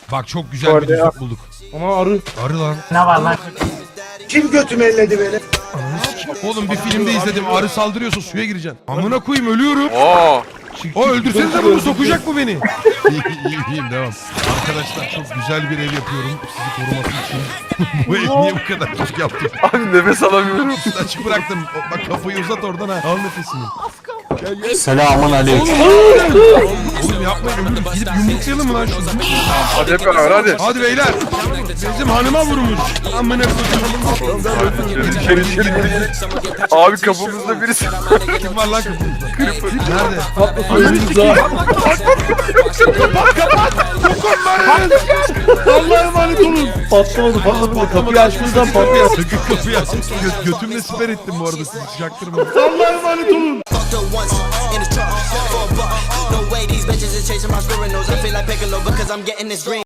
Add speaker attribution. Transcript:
Speaker 1: Bak çok güzel bir düzlük bulduk.
Speaker 2: Ama arı.
Speaker 1: Arı lan.
Speaker 3: Ne var lan?
Speaker 4: Kim götümü elledi beni?
Speaker 1: Oğlum bir filmde izledim. Arı saldırıyorsa suya gireceksin. Amına koyayım ölüyorum.
Speaker 5: Oo.
Speaker 1: O öldürsenize bunu, sokacak mı beni? İyiyim devam. Arkadaşlar çok güzel bir ev yapıyorum sizi koruması için. Bu ev niye bu kadar küçük yaptım?
Speaker 5: Abi nefes alamıyorum.
Speaker 1: Açık bıraktım. Bak kafayı uzat oradan ha. Al nefesini.
Speaker 3: Selamun aleyküm.
Speaker 1: Oğlum yapmayın ölürüm. Gidip yumruklayalım mı lan şunu?
Speaker 5: Hadi hep beraber hadi.
Speaker 1: Hadi beyler. Bizim hanıma vurmuş. Amına koyayım.
Speaker 5: İçeri. Abi kapımızda birisi.
Speaker 1: Kim var lan kapımızda? Nerede?
Speaker 2: Allah'a emanet olun. Patlamadı. Kapıyı açtığınızdan patlıyor.
Speaker 1: Sakın kapıyı aç. Götümle siper ettim bu arada sizi çaktırmadım.
Speaker 2: Allah'a emanet olun.
Speaker 6: Fucked her once in the truck for a buck. No way these bitches is chasing my spirit nose. I feel like Piccolo because I'm getting this green.